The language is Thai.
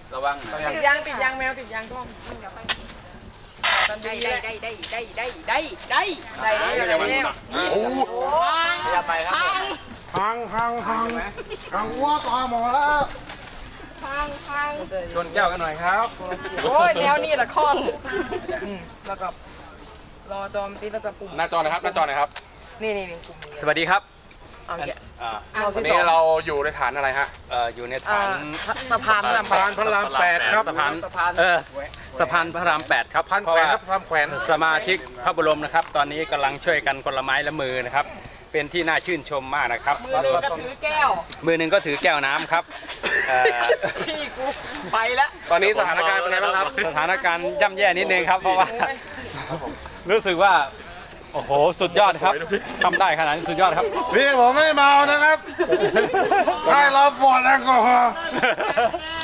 ระวังนะติดยางแมวติดยางกล้องได้โอ้อย่าไปครับพังวัวต่อหมอแล้วชนแก้วกันหน่อยครับโอ้ยแนวนี่แหละคล้องแล้วก็รอจอมตีแล้วก็ปุ่มหน้าจอนะครับหน้าจอนะครับนี่ปุ่มนี้สวัสดีครับเอาแกะวันนี้เราอยู่ในฐานอะไรฮะอยู่ในฐานสะพานพระรามสะพานพระราม8ครับสะพานสะพานพระราม8ครับพันเพราะแขวนว่าครับสามแขวนสมาชิกพระบรมนะครับ ตอนนี้กำลังช่วยกันคนละไม้ละมือนะครับ เป็นที่น่าชื่นชมมากนะครับมือหนึ่งก็ถือแก้วมือหนึ่งก็ถือแก้วน้ำครับเอ่อพี่กูไปแล้วตอนนี้สถานการณ์เป็นไงบ้างครับสถานการณ์ย่ำแย่นิดนึงครับ เพราะว่ารู้สึกว่าโอ้โหสุดยอดครับทำได้ขนาดนี้สุดยอดครับพี่ผมไม่เมานะครับให้เราปวดแอลกอฮอล์